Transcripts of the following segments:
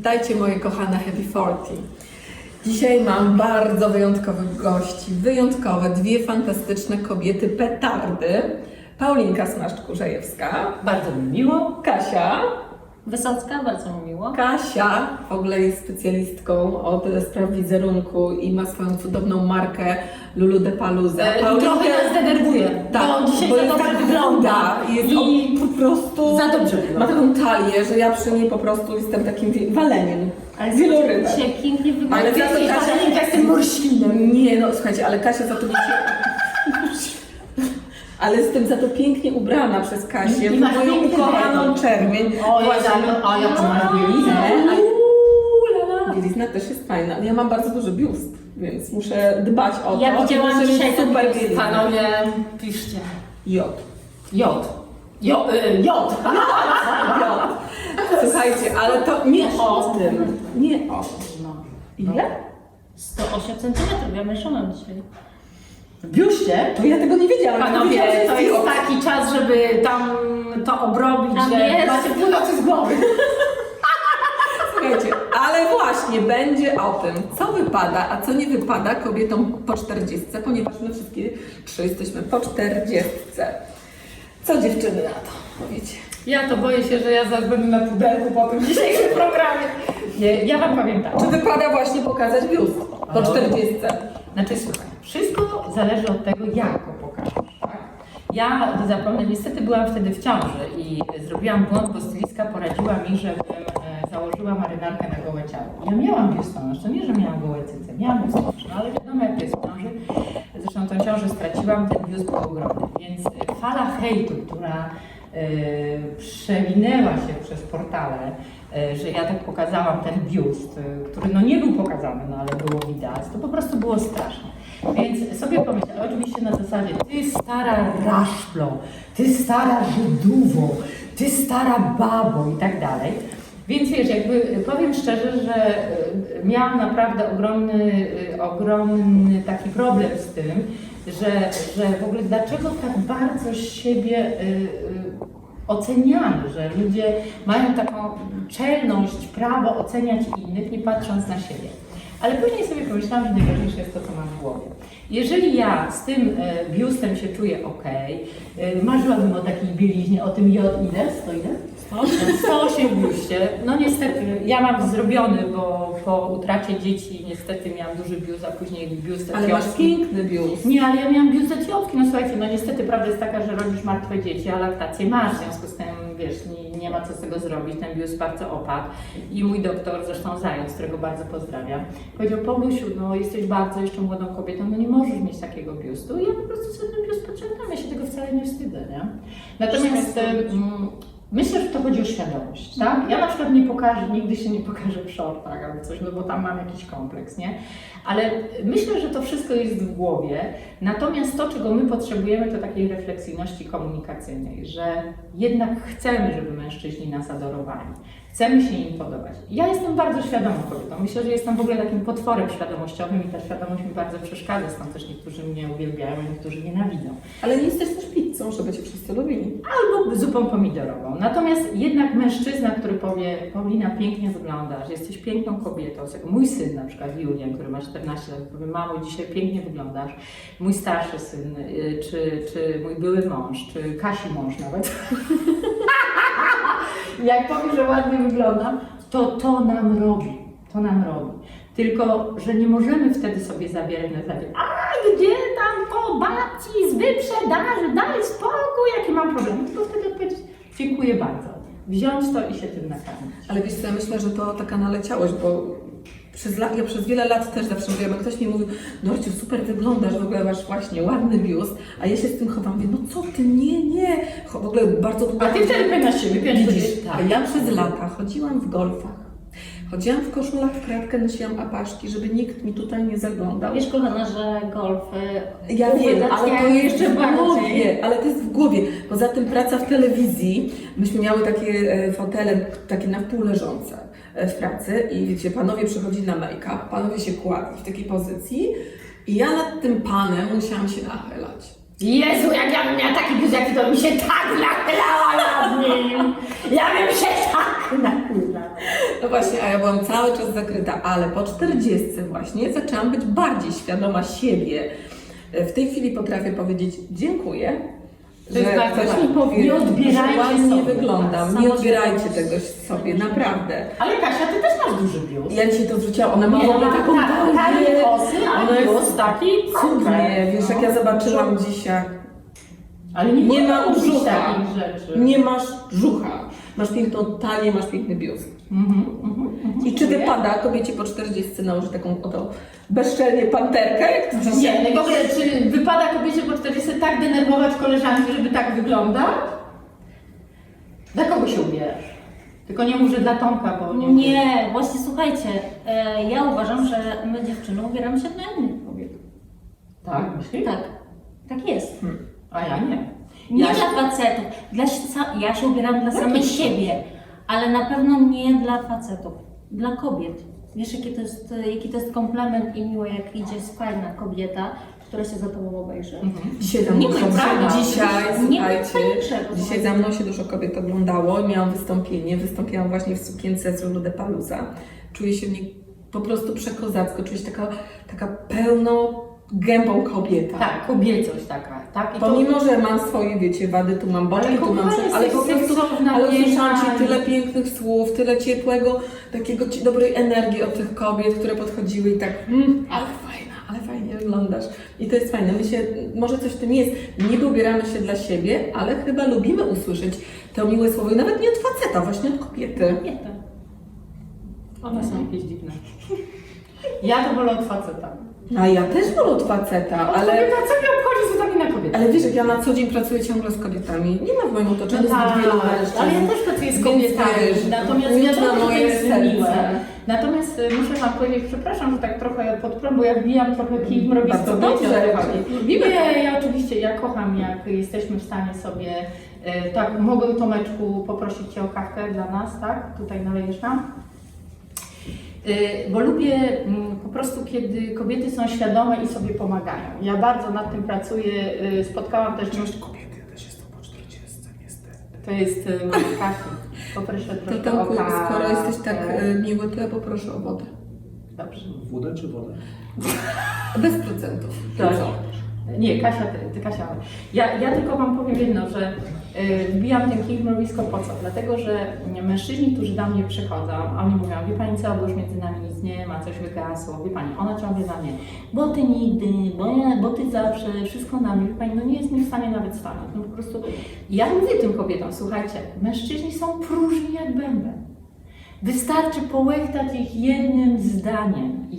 Witajcie moje kochane Happy 40. Dzisiaj mam bardzo wyjątkowych gości, wyjątkowe, dwie fantastyczne kobiety, petardy. Paulinka Smaszcz-Kurzejewska. Bardzo mi miło. Kasia. Wysocka, bardzo mi miło. Kasia w ogóle jest specjalistką od spraw wizerunku i ma swoją cudowną markę Lulu de Paluzza. Trochę nas denerwuje, bo dzisiaj za dobrze wygląda i po prostu za dobrze wygląda. ma taką talię, że ja przy niej po prostu jestem takim waleniem. Ale wielorybem. dzisiaj pięknie wygląda. Ale za to Kasia jestem morświnem. Nie, no słuchajcie, ale Kasia za to ale jestem za to pięknie ubrana przez Kasię I w masz moją piękny ukochaną detal. czerwień. O, jak masz bieliznę. Bielizna też jest fajna, ale ja mam bardzo duży biust, więc muszę dbać o to. Ja widziałam muszę dzisiaj mieć super biust. bieliznę. Panowie, piszcie. J. J. Słuchajcie, ale to nie o tym. Nie o tym. No. Ile? 108 cm, ja mężczyzną dzisiaj. W biuście? To ja tego nie wiedziałam. Panowie, Wiedziałam, że to jest J. taki czas, żeby tam to obrobić, Tam że jest. macie północy z głowy. Słuchajcie, ale właśnie będzie o tym, co wypada, a co nie wypada kobietom po 40, ponieważ my wszystkie trzy jesteśmy po 40. Co dziewczyny na to powiecie? Ja to boję się, że ja zaraz będę na pudelku po tym dzisiejszym programie. Nie, ja wam powiem tak. Czy wypada właśnie pokazać biust po 40? Znaczy słuchaj, wszystko zależy od tego, jak go pokażesz. Tak? Ja zapomnę, niestety byłam wtedy w ciąży i zrobiłam błąd, bo stylistka poradziła mi, żebym założyła marynarkę na gołe ciało. Ja miałam biustonosz, to nie, że miałam gołe cyce, miałam biustonosz, no ale wiadomo jak jest w ciąży. Zresztą tą ciążę straciłam, ten biust był ogromny. Więc fala hejtu, która przewinęła się przez portale, że ja tak pokazałam ten biust, który no nie był pokazany, no ale było widać, to po prostu było straszne. Więc sobie pomyślałam, oczywiście na zasadzie, ty stara raszplo, ty stara Żydowo, ty stara babo i tak dalej. Więc wiesz, jakby powiem szczerze, że miałam naprawdę ogromny taki problem z tym, że w ogóle dlaczego tak bardzo siebie oceniamy, że ludzie mają taką czelność, prawo oceniać innych, nie patrząc na siebie. Ale później sobie pomyślałam, że najważniejsze jest to, co mam w głowie. Jeżeli ja z tym biustem się czuję ok, marzyłabym o takiej bieliźnie, o tym J ile? 100 ile? 108 w biuście. No niestety, ja mam zrobiony, bo po utracie dzieci niestety miałam duży biust, a później biust Ale masz etiopski. piękny biust. Nie, ale ja miałam biust etiopski, no słuchajcie, no niestety prawda jest taka, że rodzisz martwe dzieci, a laktację masz, w związku z tym, wiesz, nie ma co z tego zrobić, ten biust bardzo opadł. I mój doktor, zresztą Zając, którego bardzo pozdrawiam, powiedział: Paulusiu, no jesteś bardzo jeszcze młodą kobietą, no nie możesz mieć takiego biustu. I ja po prostu sobie ten biust podciągam, ja się tego wcale nie wstydzę, nie? Natomiast myślę, że to chodzi o świadomość, tak? Ja na przykład nie pokażę, nigdy się nie pokażę w shortach albo coś, no bo tam mam jakiś kompleks, nie? Ale myślę, że to wszystko jest w głowie, natomiast to, czego my potrzebujemy, to takiej refleksyjności komunikacyjnej, że jednak chcemy, żeby mężczyźni nas adorowali, chcemy się im podobać. Ja jestem bardzo świadomą kobietą, myślę, że jestem w ogóle takim potworem świadomościowym i ta świadomość mi bardzo przeszkadza, stąd też niektórzy mnie uwielbiają, a niektórzy nienawidzą. Ale nie jesteś też pizzą, żeby cię wszyscy lubili. Albo zupą pomidorową. Natomiast jednak mężczyzna, który powie: Paulina, pięknie wyglądasz, jesteś piękną kobietą. Mój syn na przykład, Julian, który ma 14 lat, powie: mamo, dzisiaj pięknie wyglądasz. Mój starszy syn, czy mój były mąż, czy Kasi mąż nawet. Jak powie, że ładnie wyglądam, to nam robi. To nam robi. Tylko, że nie możemy wtedy sobie zabierać na zasadzie: a gdzie tam po babci z wyprzedaży, daj spokój, jaki mam problem. Tylko wtedy odpowiedzieć: dziękuję bardzo. Wziąć to i się tym nakarmić. Ale wiesz co, ja myślę, że to taka naleciałość, bo ja przez wiele lat też zawsze mówiłam, jak ktoś mi mówił: Dorciu, super wyglądasz, w ogóle masz właśnie ładny biust, a ja się z tym chowam, mówię: no co ty, nie. W ogóle bardzo długo... A ty wtedy na siebie, Widzisz, tak. a ja przez lata chodziłam w golfach, chodziłam w koszulach w kratkę, nosiłam apaszki, żeby nikt mi tutaj nie zaglądał. Wiesz, kochana, że golf Ja wiem, ale to jeszcze w bardziej. głowie, ale to jest w głowie. Poza tym praca w telewizji, myśmy miały takie fotele, takie na wpół leżące w pracy i wiecie, panowie przychodzili na make-up, panowie się kładli w takiej pozycji i ja nad tym panem musiałam się nachylać. Jezu, jak ja bym miała taki biust jak ty, to mi się tak nachylała nad nim. Ja bym się tak nachylała. No właśnie, a ja byłam cały czas zakryta, ale po 40 właśnie zaczęłam być bardziej świadoma siebie. W tej chwili potrafię powiedzieć dziękuję, To jest że bardzo ktoś ważne. mi powie, Nie odbierajcie że ładnie sobie. wyglądam. Tak, Nie samo odbierajcie się tego sobie, naprawdę. Ale Kasia, ty też masz duży biust. Ja dzisiaj to zwróciłam, ona ma w Nie, ogóle taką tanie talię. kosy, Ona ale jest biust taki cudnie. Wiesz, jak ja zobaczyłam dzisiaj, Ale nie ma mówić brzucha. takich rzeczy. nie masz brzucha, masz piękną talię, masz piękny biust. I czy wypada kobiecie po 40 nałożyć taką oto bezczelnie panterkę, jak ty dzisiaj? Nie, w ogóle, czy wypada kobiecie po 40 tak denerwować koleżanki, żeby tak wyglądać? Dla kogo się ubierasz? Tylko nie mów, że dla Tomka, bo nie. Nie, właśnie słuchajcie, ja uważam, że my dziewczyny ubieramy się dla innych kobiet. Tak, myślisz? Tak, tak jest. A ja nie. Nie Ja się- dla facetów. Ja się ubieram dla samej to? siebie, ale na pewno nie dla facetów, dla kobiet. Wiesz, jaki to jest komplement i miło, jak idzie fajna kobieta, która się za tobą obejrzy. Dzisiaj za mną Nie, prawda. dzisiaj, Nie ma słuchajcie, niczego. dzisiaj za mną się dużo kobiet oglądało i miałam wystąpienie. Wystąpiłam właśnie w sukience z Lulu de Palusa. Czuję się w niej po prostu przekozacko, czuję się taka pełno gębą kobieta. Tak, kobiecość taka, tak? I to- Pomimo, że mam swoje, wiecie, wady, tu mam boczki, Ale tu mam kochanie, ale po jesteś prostu, seksowna, ale usłyszałam piękna. Ci tyle pięknych słów, tyle ciepłego, takiego dobrej energii od tych kobiet, które podchodziły i tak, ale fajnie wyglądasz. I to jest fajne. My się, może coś w tym jest, niby ubieramy się dla siebie, ale chyba lubimy usłyszeć to miłe słowo i nawet nie od faceta, właśnie od kobiety. Kobieta. One są jakieś dziwne. Ja to wolę od faceta. A ja też wolę od faceta, Od ale... kobieta, co mnie obchodzi z uwagi na kobietę? Ale wiesz, jak ja na co dzień pracuję ciągle z kobietami, nie ma w moim otoczeniu zbyt tak, wielu mężczyzn. ale ja też pracuję z Więc kobietami, wiesz, natomiast miód wiadomo, na że to moje jest serce. miłe. Natomiast muszę Wam powiedzieć, przepraszam, że tak trochę podprąd, bo ja wbijam trochę kij mrowi z Bardzo kobiecie, dobrze. o to chodzi. Lubimy. Nie, ja oczywiście, ja kocham, jak jesteśmy w stanie sobie, tak, mogę Tomeczku poprosić Cię o kawkę dla nas, tak? Tutaj nalejesz nam? Bo lubię po prostu, kiedy kobiety są świadome i sobie pomagają. Ja bardzo nad tym pracuję, spotkałam też... Kobiety, ja też jestem po 40, niestety. To jest Kasi. Poproszę To troszkę Tomku, o kawę. skoro jesteś tak miły, to ja poproszę o wodę. Dobrze. Wódę czy wodę? Bez procentów. Tak. Co? Nie, Kasia, ty Kasia. Ja tylko Wam powiem jedno, że wbijam ten kij w mrowisko po co? Dlatego, że mężczyźni, którzy do mnie przychodzą, oni mówią, wie Pani co, bo już między nami nic nie ma, coś wygasło, wie Pani, ona ciągle na mnie, bo Ty nigdy, bo Ty zawsze, wszystko na mnie, wie Pani, no nie jest mi w stanie nawet stanąć. No po prostu, ja mówię tym kobietom, słuchajcie, mężczyźni są próżni jak bęben. Wystarczy połechtać ich jednym zdaniem.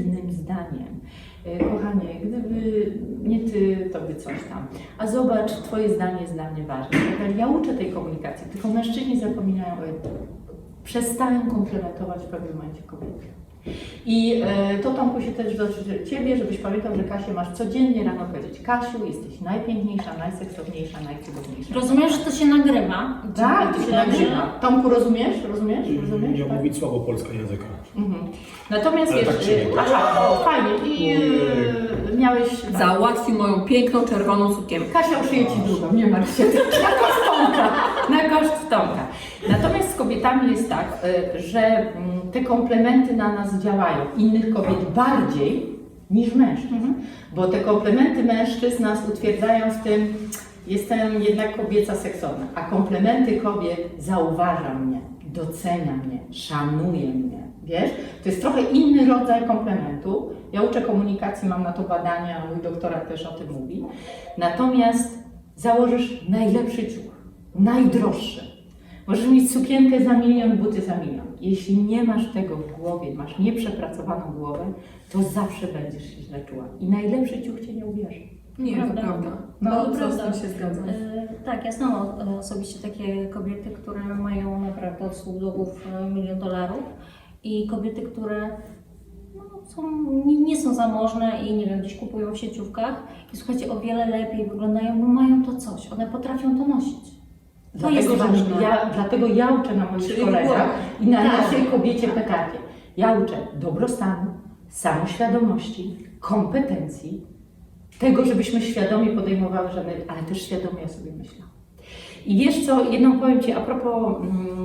Kochanie, gdyby nie Ty, to by coś tam. A zobacz, Twoje zdanie jest dla mnie ważne. Ja uczę tej komunikacji, tylko mężczyźni zapominają o jednym. Przestają komplementować w pewnym momencie kobiety. I to Tomku się też dotyczy Ciebie, żebyś pamiętał, że Kasię masz codziennie rano powiedzieć: Kasiu, jesteś najpiękniejsza, najseksowniejsza, najcudowniejsza. Rozumiesz, że to się nagrywa? Tak, to się nagrywa. Tomku, rozumiesz? Nie Tak? mówić słabo polskiego języka. Mhm. Natomiast Ale wiesz, tak się nie aha, o, fajnie, i miałeś... Załatwił moją piękną, czerwoną sukienkę. Kasia uszyje Ci drugą, nie martw się, na koszt Tomka, na koszt Tomka. Natomiast z kobietami jest tak, że te komplementy na nas działają, innych kobiet bardziej niż mężczyzn. Bo te komplementy mężczyzn nas utwierdzają w tym, jestem jednak kobieca seksowna, a komplementy kobiet zauważa mnie, docenia mnie, szanuje mnie. Wiesz? To jest trochę inny rodzaj komplementu. Ja uczę komunikacji, mam na to badania, mój doktorat też o tym mówi. Natomiast założysz najlepszy ciuch, najdroższy. Możesz mieć sukienkę za 1 000 000, buty za 1 000 000. Jeśli nie masz tego w głowie, masz nieprzepracowaną głowę, to zawsze będziesz się źle czuła. I najlepszy ciuch Cię nie ubierze. Nie, to prawda. No, No, to co z prawda. tym się zgadzam. Tak, ja znam osobiście takie kobiety, które mają naprawdę od stóp do głów $1 000 000 i kobiety, które no, nie są zamożne i nie wiem, gdzieś kupują w sieciówkach i słuchajcie, o wiele lepiej wyglądają, bo mają to coś, one potrafią to nosić. To jest ważne. Dlatego ja uczę na moich Czyli szkoleniach i na Tak. naszej kobiecie petardzie. Ja uczę dobrostanu, samoświadomości, kompetencji, tego, żebyśmy świadomie podejmowały ale też świadomie o sobie myślały. I wiesz co, jedną powiem Ci a propos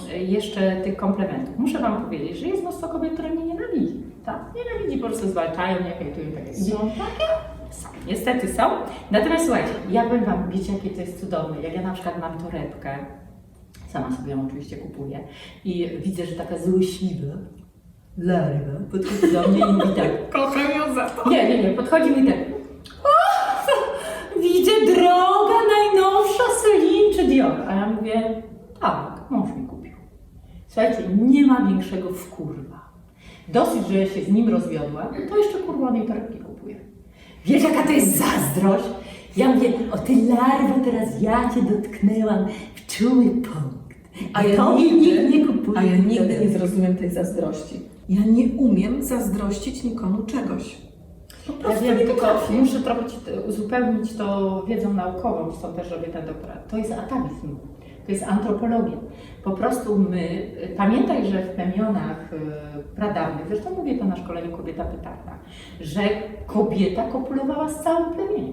jeszcze tych komplementów. Muszę Wam powiedzieć, że jest mnóstwo kobiet, które mnie nienawidzi. Tak? Nienawidzi, po prostu zwalczają mnie, hejtują tak jak Są takie? są. Niestety są. Natomiast słuchajcie, ja powiem Wam, wiecie jakie to jest cudowne. Jak ja na przykład mam torebkę, sama sobie ją oczywiście kupuję i widzę, że taka złośliwa larwa podchodzi do mnie i mówi tak. Kocham ją za to. Nie, podchodzi mi tak. O, widzę droga najnowsza Celine czy Dior. A ja mówię, tak, mąż mi kupił. Słuchajcie, nie ma większego wkurwa. Dosyć, że się z nim rozwiodła, to jeszcze kurwa tej torebki kupuje. Wiesz jaka to jest zazdrość? Ja mówię, o ty larwo, teraz ja cię dotknęłam w czuły punkt. A ja tobie nikt nie kupuje. A ja nigdy nie zrozumiem tej zazdrości. Ja nie umiem zazdrościć nikomu czegoś. Po Ja prostu wiem, nie tylko potrafię. muszę trochę Ci uzupełnić to wiedzą naukową, stąd też robię ten doktorat. To jest atawizm, to jest antropologia. Po prostu my, pamiętaj, że w plemionach pradawnych, zresztą mówię to na szkoleniu Kobieta Pytarna, że kobieta kopulowała z całym plemieniem.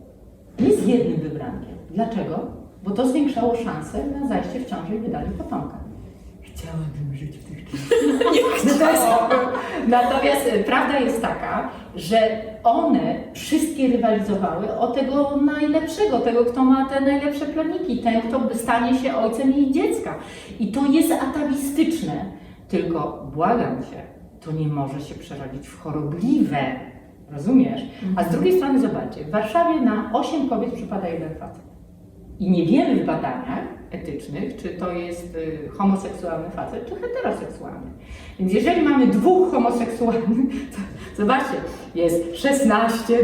Nie z jednym wybrankiem. Dlaczego? Bo to zwiększało szanse na zajście w ciąży i wydanie potomka. Chciałabym żyć w tych czasach. Natomiast prawda jest taka, że one wszystkie rywalizowały o tego najlepszego, tego, kto ma te najlepsze plemniki, ten, kto stanie się ojcem jej dziecka. I to jest atawistyczne. Tylko błagam Cię, to nie może się przerodzić w chorobliwe. Rozumiesz? A z drugiej strony zobaczcie, w Warszawie na 8 kobiet przypada 1 facet. I nie wiemy w badaniach etycznych, czy to jest homoseksualny facet, czy heteroseksualny. Więc jeżeli mamy 2 homoseksualnych, to zobaczcie, jest 16,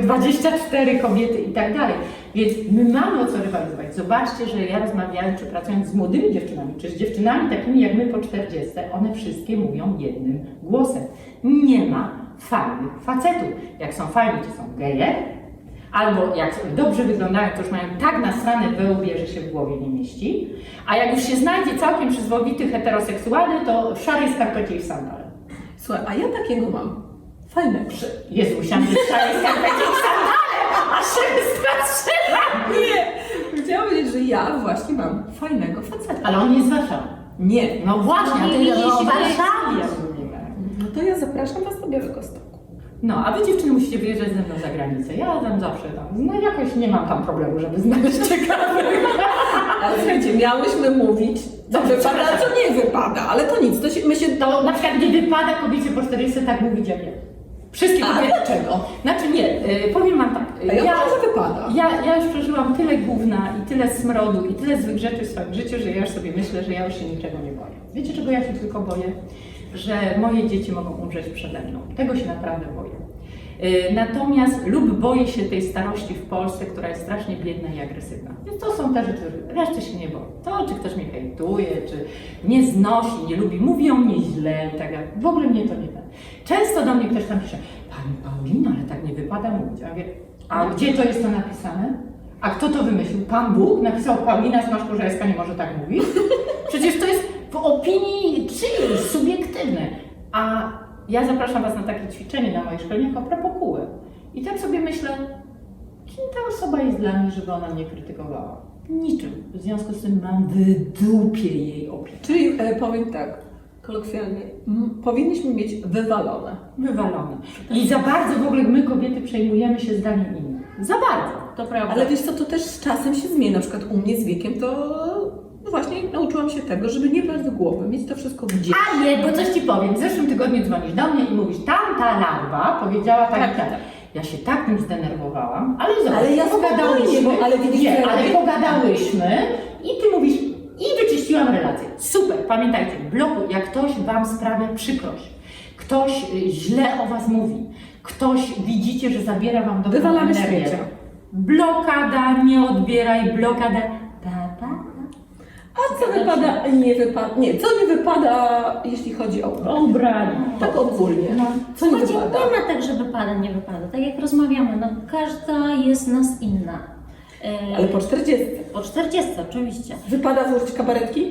24 kobiety i tak dalej. Więc my mamy o co rywalizować. Zobaczcie, że ja rozmawiając, czy pracując z młodymi dziewczynami, czy z dziewczynami takimi jak my po 40, one wszystkie mówią jednym głosem. Nie ma fajnych facetów. Jak są fajni, to są geje, albo jak dobrze wyglądają, to już mają tak nasrane we łbie, że się w głowie nie mieści. A jak już się znajdzie całkiem przyzwoity heteroseksualny, to w szarej skarpecie i w sandale. Słuchaj, a ja takiego mam. Fajnego. Jezu, musiałam być w szarej skarpecie i w sandale, a się wystraszyła. Nie! Chciałam powiedzieć, że ja właśnie mam fajnego faceta. Ale on jest z Warszawy. Nie. No właśnie, a ty Nie o widzisz, Warszawie mówimy. No to ja zapraszam Was do Białegostoku. No, a wy dziewczyny musicie wyjeżdżać ze mną za granicę. Ja tam zawsze tam, no jakoś nie mam tam problemu, żeby znaleźć ciekawych. Ale słuchajcie, miałyśmy mówić, co wypada, a co nie wypada, ale to nic, to się, my się... To na przykład nie wypada kobiecie po 40 tak mówić jak ja. Wszystkie A kobiety. dlaczego? Znaczy nie, powiem wam tak. A ja uważam, że wypada. Ja już przeżyłam tyle gówna i tyle smrodu i tyle złych rzeczy w swoim życiu, że ja już sobie myślę, że ja już się niczego nie boję. Wiecie czego ja się tylko boję? Że moje dzieci mogą umrzeć przede mną. Tego się naprawdę boję. Natomiast lub boję się tej starości w Polsce, która jest strasznie biedna i agresywna. Więc to są te rzeczy, reszty się nie boję. To, czy ktoś mnie hejtuje, czy nie znosi, nie lubi, mówi o mnie źle i tak dalej. W ogóle mnie to nie da. Często do mnie ktoś tam pisze, Pani Paulina, ale tak nie wypada mówić. A ja mówię, a gdzie to jest to napisane? A kto to wymyślił? Pan Bóg napisał, Paulina Smaszko-Żelska nie może tak mówić? Przecież to jest w opinii czyjejś, subiektywne. A ja zapraszam Was na takie ćwiczenie na moich szkoleniach a propos kółek. I tak sobie myślę, kim ta osoba jest dla mnie, żeby ona mnie krytykowała? Niczym. W związku z tym mam w dupie jej opinię. Czyli powiem tak, kolokwialnie, powinniśmy mieć wywalone. Wywalone. I za bardzo w ogóle my kobiety przejmujemy się zdaniem innych. Za bardzo. To prawda. Ale wiesz co, to też z czasem się zmienia. Na przykład u mnie z wiekiem to no właśnie nauczyłam się tego, żeby nie brać do głowy, mieć to wszystko gdzieś. A nie, bo coś Ci powiem. W zeszłym tygodniu dzwonisz do mnie i mówisz, tamta larwa powiedziała tak i tak. Ja się tak tym zdenerwowałam, ale zobacz, Ale ja pogadałyśmy, spokojnie, ale widzisz, nie, co ale robię? pogadałyśmy i Ty mówisz, i wyczyściłam relację. Super, pamiętajcie, w bloku, jak ktoś Wam sprawia przykrość, ktoś źle o Was mówi, ktoś widzicie, że zabiera Wam dobrą Wywalamy energię. śmiecia. Blokada, nie odbieraj, blokada. A co wypada, nie wypada, nie, co nie wypada, jeśli chodzi o Obranie. tak ogólnie. Co nie Słuchajcie, wypada? nie ma tak, że wypada, nie wypada. Tak jak rozmawiamy, no każda jest z nas inna. Ale po 40. Po 40 oczywiście. Wypada włożyć kabaretki?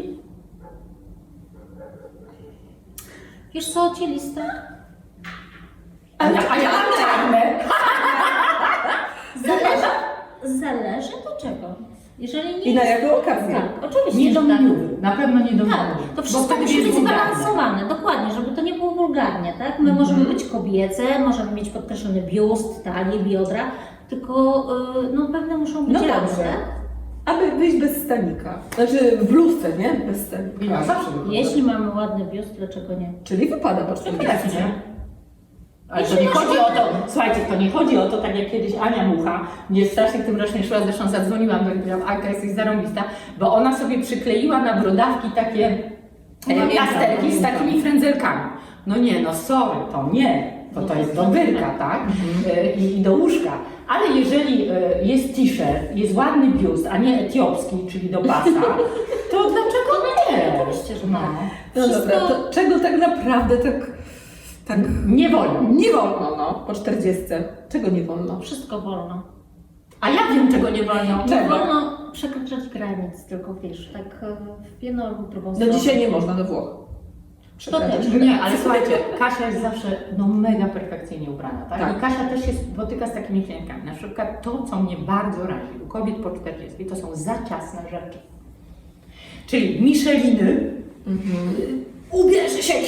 Wiesz co, cieliste? A ja czarne. Zależy do czego. Jeżeli nie I na jest... jaką okazję? Tak, oczywiście, Nie do że tak. miniowy, na pewno nie do Tak, miniowy. to wszystko wtedy musi jest być wulgarne. zbalansowane, dokładnie, żeby to nie było wulgarnie, tak? My możemy być kobiece, możemy mieć podkreślony biust, talię, biodra, tylko no pewne muszą być No ramy, dobrze. tak? Aby wyjść bez stanika. Znaczy w bluzce, nie? Bez stanika. Ja zawsze wychodzę. Jeśli mamy ładny biust, dlaczego nie? Czyli wypada po 40. Pewnie. Ale to nie chodzi o to, słuchajcie, to nie chodzi o to, tak jak kiedyś Ania Mucha, mnie strasznie tym rozśmieszyła, zresztą zadzwoniłam do niej, powiedziałam, Agata, jesteś zarąbista, bo ona sobie przykleiła na brodawki takie plasterki z takimi frędzelkami. No nie, no sorry, to nie, to jest do wyrka, tak? I do łóżka. Ale jeżeli jest t-shirt, jest ładny biust, a nie etiopski, czyli do pasa, to dlaczego nie? Oczywiście, że No. tak. No Wszystko- dobra, to czego tak naprawdę tak Nie wolno. nie wolno, no, po 40? Czego nie wolno? Wszystko wolno. A ja wiem, czego nie wolno. Nie wolno przekraczać granic, tylko wiesz, tak w jedną albo w drugą No stronę. dzisiaj nie można do Włoch. To też. Nie, ale słuchajcie, Kasia jest zawsze no, mega perfekcyjnie ubrana, tak? Tak. I Kasia też się spotyka z takimi klientkami. Na przykład to, co mnie bardzo razi u kobiet po 40, to są za ciasne rzeczy. Czyli Micheliny, ubierze się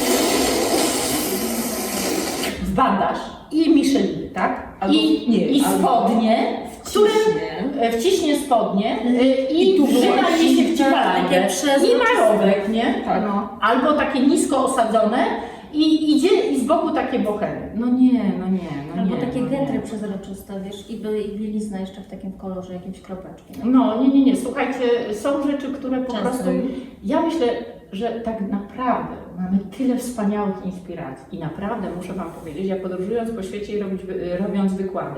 w bandaż i Micheliny, tak? Albo- nie, I albo- spodnie, które wciśnie spodnie i tu wrzyna była jej się w takie cipalankę. przezroczyste. I marowek, nie? Tak. No. Albo takie nisko osadzone i idzie i z boku takie bohemy. No nie. Albo takie no getry nie. przezroczyste, wiesz, i bielizna jeszcze w takim kolorze, jakimś kropeczki. No nie. Słuchajcie, są rzeczy, które po Często. prostu... Ja myślę, że tak naprawdę mamy tyle wspaniałych inspiracji i naprawdę muszę Wam powiedzieć, ja podróżując po świecie i robiąc wykłady,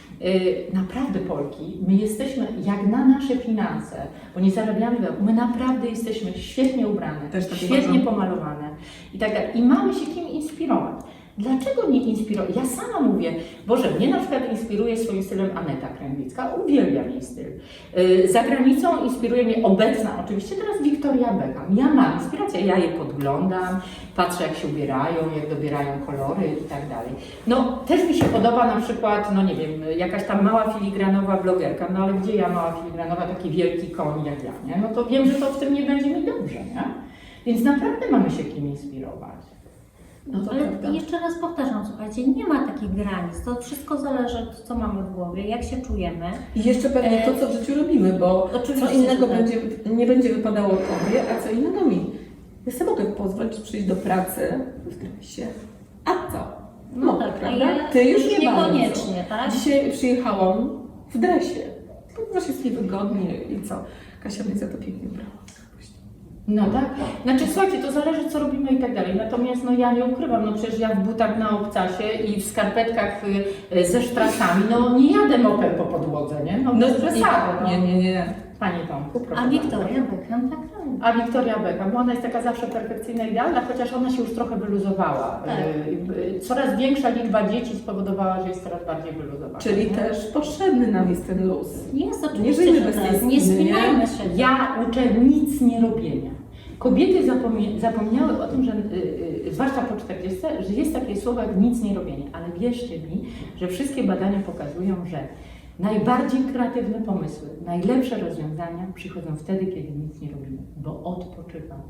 naprawdę Polki, my jesteśmy jak na nasze finanse, bo nie zarabiamy, my naprawdę jesteśmy świetnie ubrane, Też tak świetnie uważam. pomalowane i tak dalej. I mamy się kim inspirować. Dlaczego nie inspirować? Ja sama mówię, Boże, mnie na przykład inspiruje swoim stylem Aneta Kręglicka, uwielbiam jej styl. Za granicą inspiruje mnie obecna, oczywiście teraz Victoria Beckham. Ja mam inspirację, ja je podglądam, patrzę jak się ubierają, jak dobierają kolory i tak dalej. No też mi się podoba na przykład, no nie wiem, jakaś tam mała filigranowa blogerka, no ale gdzie ja mała filigranowa, taki wielki koń jak ja, nie? No to wiem, że to w tym nie będzie mi dobrze, nie? Więc naprawdę mamy się kim inspirować. No to Ale prawda. jeszcze raz powtarzam, słuchajcie, nie ma takich granic. To wszystko zależy od co mamy w głowie, jak się czujemy. I jeszcze pewnie to, co w życiu robimy, bo Oczywiście, co innego że tak. nie będzie wypadało Tobie, a co innego mi. Ja sobie mogę pozwolić przyjść do pracy w dresie. A co? No tak, a prawda? ja Ty już już nie niekoniecznie, bardzo. tak? Dzisiaj przyjechałam w dresie. Ponieważ jest niewygodnie i co? Kasia mnie za to pięknie brała. No tak. Znaczy słuchajcie, to zależy co robimy i tak dalej. Natomiast no ja nie ukrywam, no przecież ja w butach na obcasie i w skarpetkach ze sztrasami, no nie jadę mopem po podłodze, nie? No bez przesady. No. Nie. Panie Tomku, proszę A bardzo. Victoria Beckham tak robi. A Victoria Beckham, bo ona jest taka zawsze perfekcyjna, idealna, chociaż ona się już trochę wyluzowała. Tak. Coraz większa liczba dzieci spowodowała, że jest coraz bardziej wyluzowana. Czyli nie? też potrzebny nam jest ten luz. Jest Nie oczywiście, żyjmy że bez tej tak. Nie spiny, nie? spinajmy się. Ja uczę nic nie robienia. Kobiety zapomniały o tym, że zwłaszcza po 40, że jest takie słowo jak nic nie robienie, ale wierzcie mi, że wszystkie badania pokazują, że najbardziej kreatywne pomysły, najlepsze rozwiązania przychodzą wtedy, kiedy nic nie robimy, bo odpoczywamy.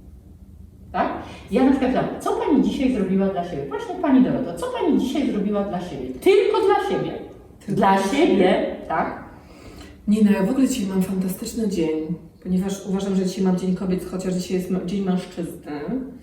Tak? Ja na przykład pytam, co Pani dzisiaj zrobiła dla siebie? Właśnie Pani Doroto, co Pani dzisiaj zrobiła dla siebie? Tylko dla siebie. Dla siebie, tak? Nie no, ja w ogóle dzisiaj mam fantastyczny dzień, ponieważ uważam, że dzisiaj mam Dzień Kobiet, chociaż dzisiaj jest Dzień Mężczyzny.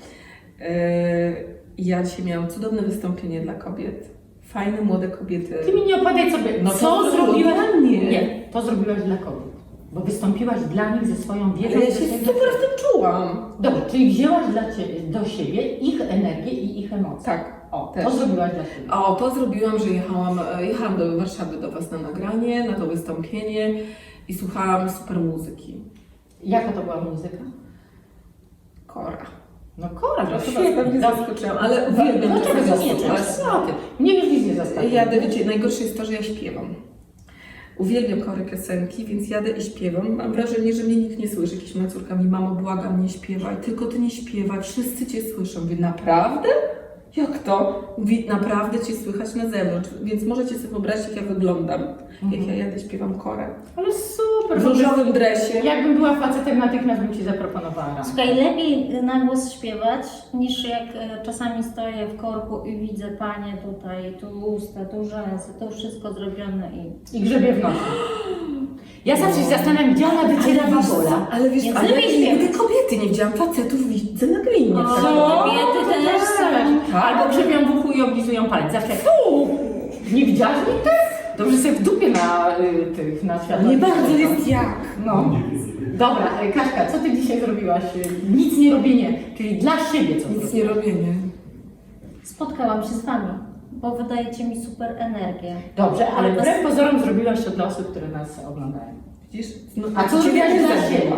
Ja dzisiaj miałam cudowne wystąpienie dla kobiet. Fajne, młode kobiety. Ty mi nie opowiadaj sobie, No co to zrobiłaś dla mnie. Nie, to zrobiłaś dla kobiet. Bo wystąpiłaś dla nich ze swoją wiedzą. Ale ja ze się swoim- super w tym czułam. Dobrze, czyli wzięłaś do siebie ich energię i ich emocje. Tak. O, też. to zrobiłaś dla siebie. O, to zrobiłam, że jechałam do Warszawy do Was na nagranie, na to wystąpienie i słuchałam super muzyki. Jaka to była muzyka? Kora. No Kora, no Trochę świetnie. Was pewnie Dobrze. zaskoczyłam, ale uwielbiam Dlaczego czasem zaskoczyłaś? słuchać. Co ty? Mnie już nic nie zaskoczyło. Jadę, wiecie, najgorsze jest to, że ja śpiewam. Uwielbiam chory piosenki, więc jadę i śpiewam. Mam wrażenie, że mnie nikt nie słyszy. Jakieś moja córka mi, mamo, błagam, nie śpiewaj, tylko Ty nie śpiewaj, wszyscy Cię słyszą. Mówię, naprawdę? Jak to? Mówi, naprawdę Cię słychać na zewnątrz, więc możecie sobie wyobrazić, jak ja wyglądam, jak ja jadę, śpiewam chorem. Ale super. W różowym dresie. Jakbym była facetem, natychmiast bym Ci zaproponowała. Słuchaj, lepiej na głos śpiewać, niż jak czasami stoję w korku i widzę panie tutaj, tu usta, tu rzęsy, to wszystko zrobione i... I grzebie w nosie. Ja zawsze się zastanawiam, gdzie ona wyciera babola. Ale wiesz, Więc ale ja lepiej nigdy śpiewać. kobiety nie widziałam, facetów widzę naglinie. O, Co? kobiety też są. Albo grzebią w uchu i oblizują palec. Zawsze fu! Nie widziałaś nigdy? Dobrze sobie w dupie na światło. Nie bardzo jest jak. No. Dobra, Kaśka, co Ty dzisiaj zrobiłaś? Nic nie robienie, czyli dla siebie co Nic zrobiłaś? nie robię, nie. Spotkałam się z Wami, bo wydajecie mi super energię. Dobrze, ale wbrew pozorom zrobiłaś to dla osób, które nas oglądają. Widzisz? No, A co zrobiłaś dla siebie?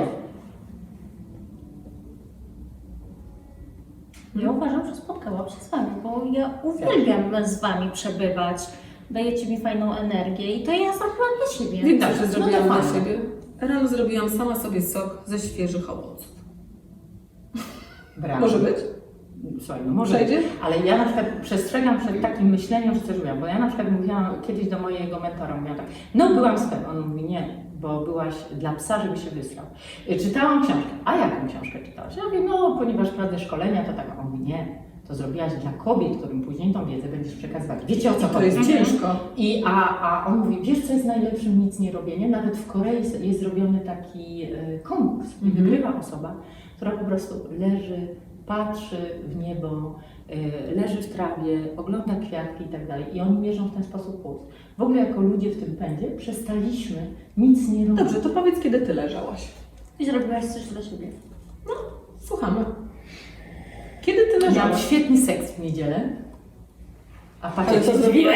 Ja uważam, że spotkałam się z Wami, bo ja uwielbiam z Wami przebywać. Dajecie mi fajną energię i to ja zrobiłam dla siebie. Wiem, Dobrze, że no zrobiłam to dla fajnie. siebie. Rano zrobiłam sama sobie sok ze świeżych owoców. Brawo. Może być? Słuchaj, no może, Przejdzie? ale ja na przykład przestrzegam przed takim myśleniem, że coś robiłam, bo ja na przykład mówiłam kiedyś do mojego mentora, mówiłam tak, no byłam z tym, on mówi nie, bo byłaś dla psa, żeby się wysrał. Czytałam książkę, a jaką książkę czytałaś? Ja mówię, no ponieważ prowadzę szkolenia, to tak, on mówi nie, to zrobiłaś dla kobiet, którym później tą wiedzę będziesz przekazywać. Wiecie o co To chodzi? jest ciężko. A on mówi, wiesz co jest najlepszym nic nie robienie? Nawet w Korei jest zrobiony taki konkurs i wygrywa osoba, która po prostu leży, patrzy w niebo, leży w trawie, ogląda kwiatki i tak dalej. I oni mierzą w ten sposób puls. W ogóle jako ludzie w tym pędzie przestaliśmy nic nie robić. Dobrze, to powiedz, kiedy ty leżałaś. I zrobiłaś coś dla siebie. Słuchamy. Kiedy ty Miałam leżałaś? świetny seks w niedzielę. A Ale patrzcie, co się zrobiłaś?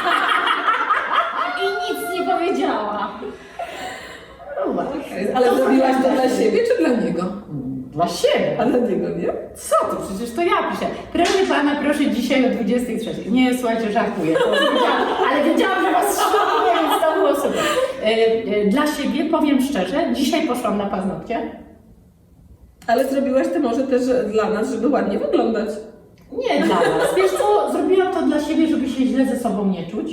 I nic nie powiedziała. Ale zrobiłaś to dla siebie czy dla niego? Dla siebie. A dla niego, nie? Co to? Przecież to ja piszę. Proszę pana, proszę dzisiaj o 23. Nie, słuchajcie, żartuję. Ale wiedziałam, że was szanuje, więc to było super. Dla siebie powiem szczerze, dzisiaj poszłam na paznokcie. Ale zrobiłaś to może też dla nas, żeby ładnie wyglądać. Nie dla was. Wiesz co, zrobiłam to dla siebie, żeby się źle ze sobą nie czuć.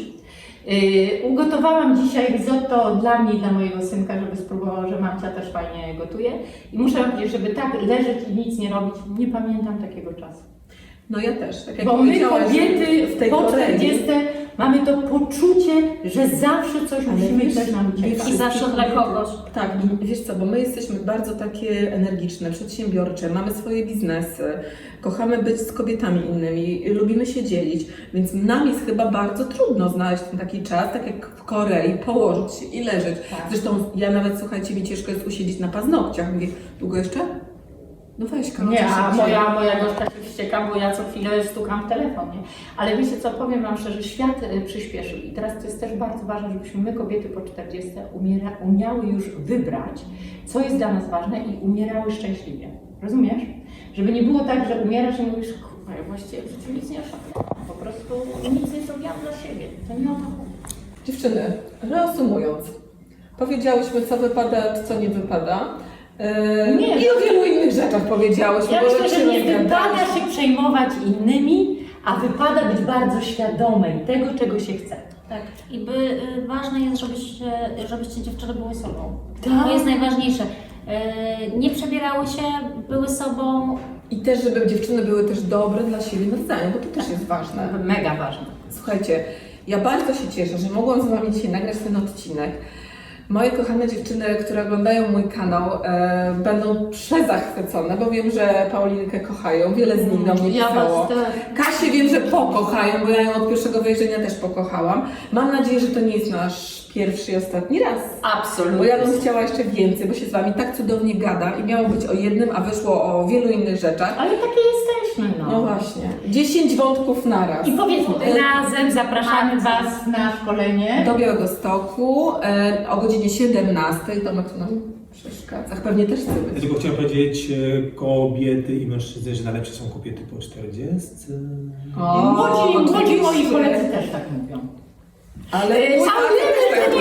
Ugotowałam dzisiaj risotto dla mnie i dla mojego synka, żeby spróbował, że mamcia też fajnie gotuje. I muszę wam powiedzieć, żeby tak leżeć i nic nie robić, nie pamiętam takiego czasu. No ja też, tak jak Bo my powiedziałaś, kobiety w tej po Korei. 40 mamy to poczucie, że zawsze coś musimy, wiesz, coś nam wiesz, ucieka. I zawsze dla kogoś. Tak, i wiesz co, bo my jesteśmy bardzo takie energiczne, przedsiębiorcze, mamy swoje biznesy, kochamy być z kobietami innymi, lubimy się dzielić, więc nam jest chyba bardzo trudno znaleźć ten taki czas, tak jak w Korei, położyć się i leżeć. Tak. Zresztą ja nawet, słuchajcie, mi ciężko jest usiedzieć na paznokciach. Mówię, długo jeszcze? No weź, Karol, Nie, coś a szybciej. moja gośka się wścieka, bo ja co chwilę stukam w telefon, nie? Ale wiecie co, powiem wam szczerze, świat przyspieszył i teraz to jest też bardzo ważne, żebyśmy my kobiety po 40 umiały już wybrać, co jest dla nas ważne i umierały szczęśliwie. Rozumiesz? Żeby nie było tak, że umierasz i mówisz, kurwa, ja właściwie w życiu nic nie osiągnęłam, po prostu nic nie zrobiłam dla siebie. To nie o to chodzi. Dziewczyny, reasumując, powiedziałyśmy, co wypada, co nie wypada. Nie, I o wielu innych rzeczach powiedziałyśmy. Ja bo myślę, jak że się nie wypada rozgadaliśmy. się przejmować innymi, a wypada być bardzo świadomej tego, czego się chce. Tak. I ważne jest, żebyście dziewczyny były sobą. Tak. To jest najważniejsze. Nie przebierały się, były sobą. I też, żeby dziewczyny były też dobre dla siebie nawzajem, bo to też jest ważne. Mega ważne. Słuchajcie, ja bardzo się cieszę, że mogłam z Wami dzisiaj nagrać ten odcinek. Moje kochane dziewczyny, które oglądają mój kanał, będą przezachwycone, bo wiem, że Paulinkę kochają. Wiele z nich do mnie pisało. Kasię wiem, że pokochają, bo ja ją od pierwszego wejrzenia też pokochałam. Mam nadzieję, że to nie jest nasz pierwszy i ostatni raz. Absolutnie. Bo ja bym chciała jeszcze więcej, bo się z Wami tak cudownie gada i miało być o jednym, a wyszło o wielu innych rzeczach. Ale takie jesteśmy, No właśnie. 10 wątków naraz. I powiedzmy, razem zapraszamy Was na szkolenie. Do Białegostoku o godzinie 17. Tomek tu nam przeszkadza. Pewnie też chce Ja być. tylko chciałem powiedzieć, kobiety i mężczyzny, że najlepsze są kobiety po 40. Młodzi moi oczywiście. koledzy też tak mówią. Ale Cały